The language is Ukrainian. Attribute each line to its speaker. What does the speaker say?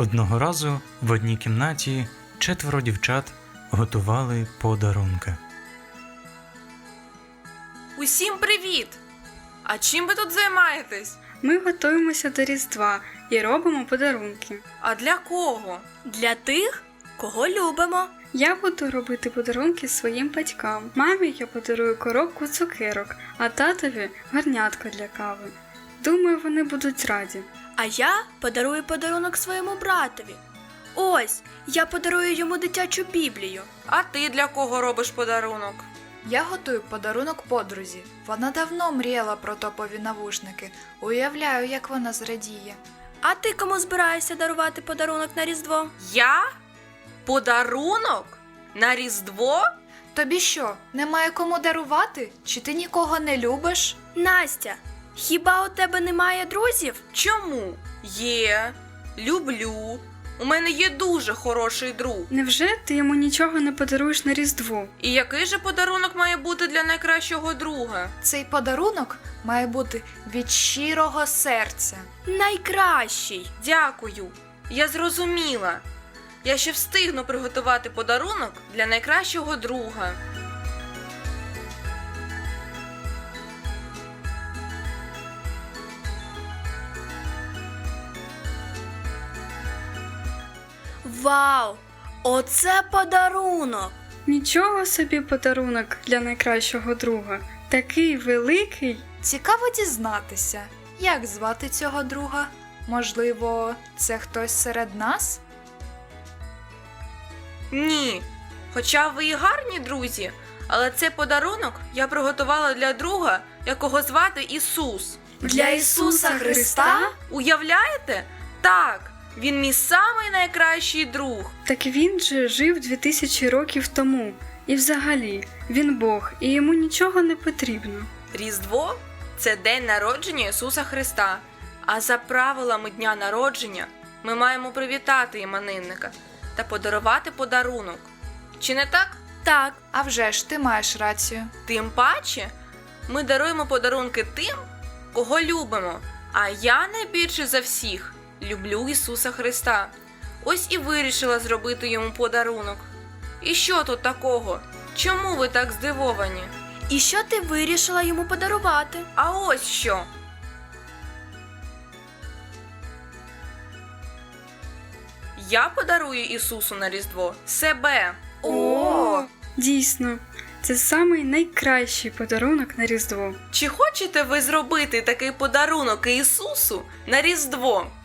Speaker 1: Одного разу в одній кімнаті 4 дівчат готували подарунки.
Speaker 2: Усім привіт! А чим ви тут займаєтесь?
Speaker 3: Ми готуємося до Різдва і робимо подарунки.
Speaker 2: А для кого?
Speaker 4: Для тих, кого любимо.
Speaker 3: Я буду робити подарунки своїм батькам. Мамі я подарую коробку цукерок, а татові гарнятко для кави. Думаю, вони будуть раді.
Speaker 4: А я подарую подарунок своєму братові. Ось, я подарую йому дитячу Біблію.
Speaker 2: А ти для кого робиш подарунок?
Speaker 5: Я готую подарунок подрузі. Вона давно мріяла про топові навушники. Уявляю, як вона зрадіє.
Speaker 4: А ти кому збираєшся дарувати подарунок на Різдво?
Speaker 2: Я? Подарунок? На Різдво?
Speaker 5: Тобі що, немає кому дарувати? Чи ти нікого не любиш?
Speaker 4: Настя, хіба у тебе немає друзів?
Speaker 2: Чому? Є. Люблю. У мене є дуже хороший друг.
Speaker 3: Невже ти йому нічого не подаруєш на Різдво?
Speaker 2: І який же подарунок має бути для найкращого друга?
Speaker 5: Цей подарунок має бути від щирого серця.
Speaker 4: Найкращий.
Speaker 2: Дякую. Я зрозуміла. Я ще встигну приготувати подарунок для найкращого друга.
Speaker 4: Вау! Оце подарунок!
Speaker 3: Нічого собі подарунок для найкращого друга. Такий великий.
Speaker 5: Цікаво дізнатися, як звати цього друга? Можливо, це хтось серед нас?
Speaker 2: Ні. Хоча ви і гарні друзі, але цей подарунок я приготувала для друга, якого звати Ісус.
Speaker 4: Для Ісуса Христа?
Speaker 2: Уявляєте? Так, він мій самий найкращий друг.
Speaker 3: Так він же жив 2000 років тому. І взагалі, він Бог, і йому нічого не потрібно.
Speaker 2: Різдво – це день народження Ісуса Христа. А за правилами дня народження ми маємо привітати іменинника та подарувати подарунок. Чи не так?
Speaker 4: Так,
Speaker 5: А вже ж, ти маєш рацію.
Speaker 2: Тим паче, ми даруємо подарунки тим, кого любимо. А я найбільше за всіх люблю Ісуса Христа. Ось і вирішила зробити йому подарунок. І що тут такого? Чому ви так здивовані?
Speaker 4: і що ти вирішила йому подарувати?
Speaker 2: А ось що. Я подарую Ісусу на Різдво себе.
Speaker 4: О!
Speaker 3: Дійсно, це самий найкращий подарунок на Різдво.
Speaker 2: Чи хочете ви зробити такий подарунок Ісусу на Різдво?